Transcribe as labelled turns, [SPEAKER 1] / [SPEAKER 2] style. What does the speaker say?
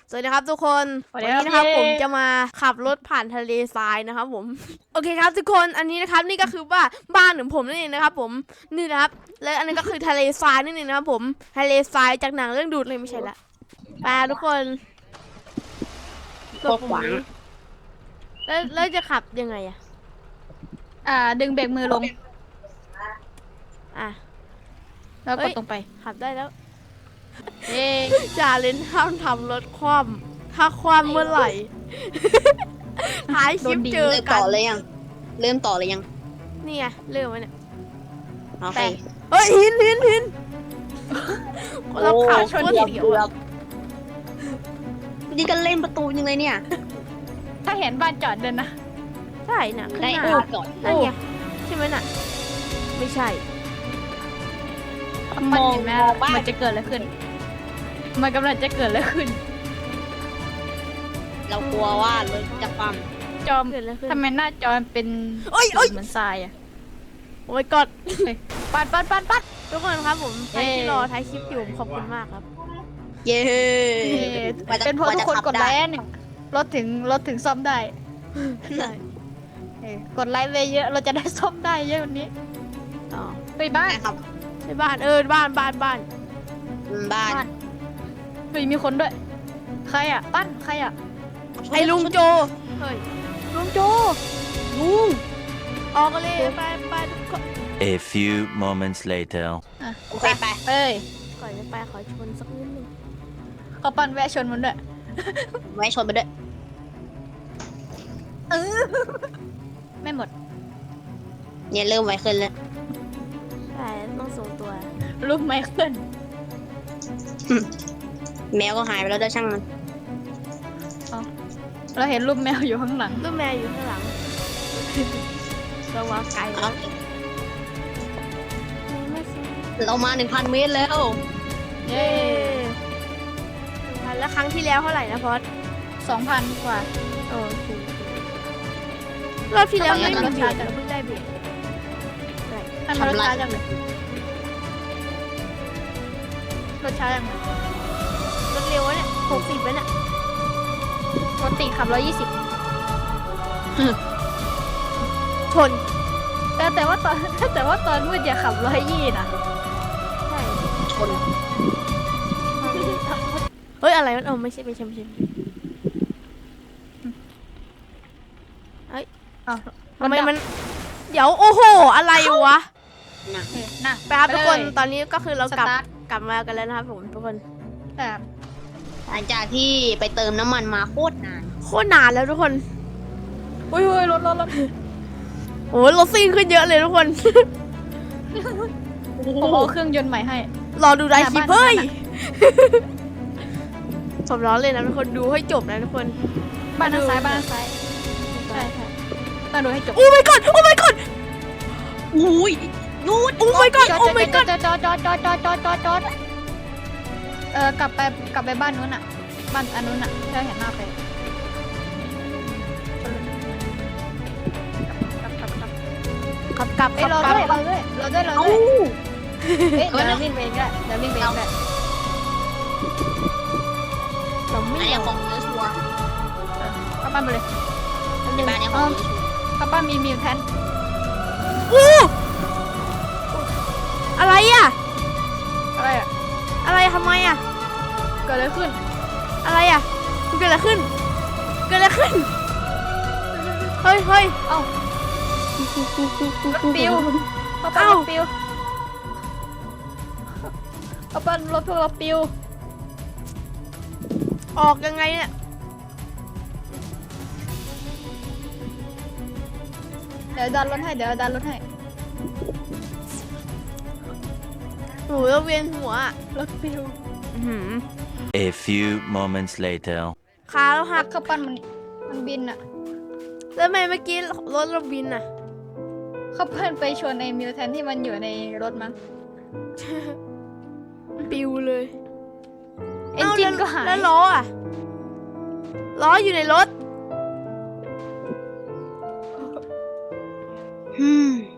[SPEAKER 1] สวัสดีครับทุกคนวันนี้นะครับผมจะมาขับรถผ่านทะเลทรายนะครับผมโอเคครับทุกคนอันนี้นะครับนี่ก็คือบ้านของผมนั่นเองนะครับผมนี่นะครับและอันนี้ก็คือทะเลทรายนั่นเองนะครับผมทะเลทรายจากหนังเรื่องดูดเลยไม่ใช่ละไปทุกคน
[SPEAKER 2] โคตรหวัง
[SPEAKER 1] แล้วจะขับยังไง
[SPEAKER 3] ดึงเบรกมือลงแล้วกดตรงไป
[SPEAKER 1] ขับได้แล้ว
[SPEAKER 3] จ่า
[SPEAKER 1] เล่นห้ามทำรถคว่ำถ้าคว่ำเมื่อไหร่ท้ายคลิปเจอกัน
[SPEAKER 2] เริ่มต่อเลยยัง
[SPEAKER 1] นี่ไงเริ่มแล้วเนี่ย
[SPEAKER 2] โอเค
[SPEAKER 1] เฮ้ยหินเราขับชนเดียว
[SPEAKER 2] นี่ก็เล่นประตูยังเลยเนี่ย
[SPEAKER 3] ถ้าเห็นบ้านจอดเดินนะ
[SPEAKER 1] ใช่น่ะ
[SPEAKER 2] ได้
[SPEAKER 1] จอดนั่นไงใช่ไหมน่ะไม่ใช่
[SPEAKER 3] มันเห็นไหมมันจะเกิดอะไรขึ้นมันกำลังจะเกิดอะไรขึ้น
[SPEAKER 2] เรากลัวว่ารถจะคว่
[SPEAKER 3] ำจอมทำไมหน้าจอเป็นเหมือนทราย
[SPEAKER 1] โอ้ยกด
[SPEAKER 3] ปัด
[SPEAKER 1] ทุกคนครับผมใครที่รอท้ายคลิปอยู่ขอบคุณมากครับ
[SPEAKER 2] เย้
[SPEAKER 3] เป็นเพราะทุกคนกดไลค์เนี่ยรถถึงซ่อมได้กดไลค์ไปเยอะเราจะได้ซ่อมได้เยอะวันนี้ไปบ้าน
[SPEAKER 1] ครับไปบ้านบ้าน
[SPEAKER 3] เฮ้ยมีคนด้วยใครปั้นใคร
[SPEAKER 1] ไอ้ลุงโจเฮ้ยลุงโจลุงออกเลยไปทุกคน
[SPEAKER 4] A few moments later
[SPEAKER 2] โอเคไป
[SPEAKER 1] ก่อนจะไปขอชนสักนิดนึง
[SPEAKER 3] เขาปั้นแวะชนมันด้วย
[SPEAKER 2] แวะชนไปด้วย
[SPEAKER 3] ไม่หมด
[SPEAKER 2] เนี่ยเริ่มไวขึ้นแล้ว
[SPEAKER 1] ใช่ต้องส่งตัว
[SPEAKER 3] รูปไมเคิล
[SPEAKER 2] แมวก็หายไปแล้วด้วยช่างมัน
[SPEAKER 3] เราเห็นรูปแมวอยู่ข้างหลัง
[SPEAKER 1] รูปแมวอยู่ข้างหลังเราว่าไกลแล้ว
[SPEAKER 2] เรามา 1,000 เมตรแล้ว
[SPEAKER 1] เย้แล้วครั้งที่แล้วเท่าไหร่นะพอด
[SPEAKER 3] 2,000 กว่า
[SPEAKER 1] โอเครอบที่แล้วไม่มีเบียดเราเพิ่งได้เบียด
[SPEAKER 3] ทำรถช้าจังเลยรถช้าจังเลย
[SPEAKER 1] รถเร็วเนี่ย60แล้วเนี่ย
[SPEAKER 3] ปกติขับ120
[SPEAKER 1] ชน
[SPEAKER 3] แต่ว่าตอนมืดอย่าขับ120นะ
[SPEAKER 1] ใช่
[SPEAKER 2] ชน
[SPEAKER 1] เฮ้ยอะไรมันไม่ใช่เฮ้ยทำไมมันเดี๋ยวโอ้โหอะไรวะไปครับทุกคนตอนนี้ก็คือเรากลับมากันแล้วนะครับผมทุกคน
[SPEAKER 2] หลังจากที่ไปเติมน้ำมันมาโคตรน
[SPEAKER 1] านแล้วทุกคน
[SPEAKER 3] อุ้ยรถ
[SPEAKER 1] โอ้รถซิ่งขึ้นเยอะเลยทุกคน
[SPEAKER 3] โอ้โหเครื่องยนต์ใหม่ให้
[SPEAKER 1] รอดูได้คลิปเฮ้ยผมร้อนเลยนะทุกคนดูให้จบนะทุกคน
[SPEAKER 3] บ้านซ้ายใช่ต้องดูให้จบ
[SPEAKER 1] โอ้ my god
[SPEAKER 2] อุ้ยนู่น
[SPEAKER 1] โอ้ my god โอ้ my god
[SPEAKER 3] จอดกลับไปบ้านนู้นบ้านอันนู้นเราเห็นหน้าไป
[SPEAKER 1] กลับ
[SPEAKER 3] เราด้วยเดี๋ยววิ่งไปเองได้เราไม่
[SPEAKER 2] ของเนื้อชัวร์
[SPEAKER 3] เข้าบ้านไปเลย
[SPEAKER 2] บ้านนี้ของ
[SPEAKER 3] เข้าบ้านมีแพน
[SPEAKER 1] อะไรทำไม
[SPEAKER 3] เกิดอะไรขึ้น
[SPEAKER 1] อะไรเกิดอะไรขึ้นเฮ้ย
[SPEAKER 3] เอ้ารถปิวเข้าบ้านรถปิวเข้าบ้านรถพวกเราปิว
[SPEAKER 1] ออกยังไงเนี่ย
[SPEAKER 3] เดี๋ยวดันรถให้
[SPEAKER 1] หนูจะเวียนหัว
[SPEAKER 3] รถปิว
[SPEAKER 4] A few moments later
[SPEAKER 1] ขาเราหัก
[SPEAKER 3] ข้าปั้นมันบิน
[SPEAKER 1] แล้วทำไมเมื่อกี้รถเราบิน
[SPEAKER 3] ข้าปั้นไปชนในมิวแทนที่มันอยู่ในรถมั้ง
[SPEAKER 1] ปิวเลย
[SPEAKER 3] เอนจินก็หาย
[SPEAKER 1] แล้วล้ออยู่ในรถ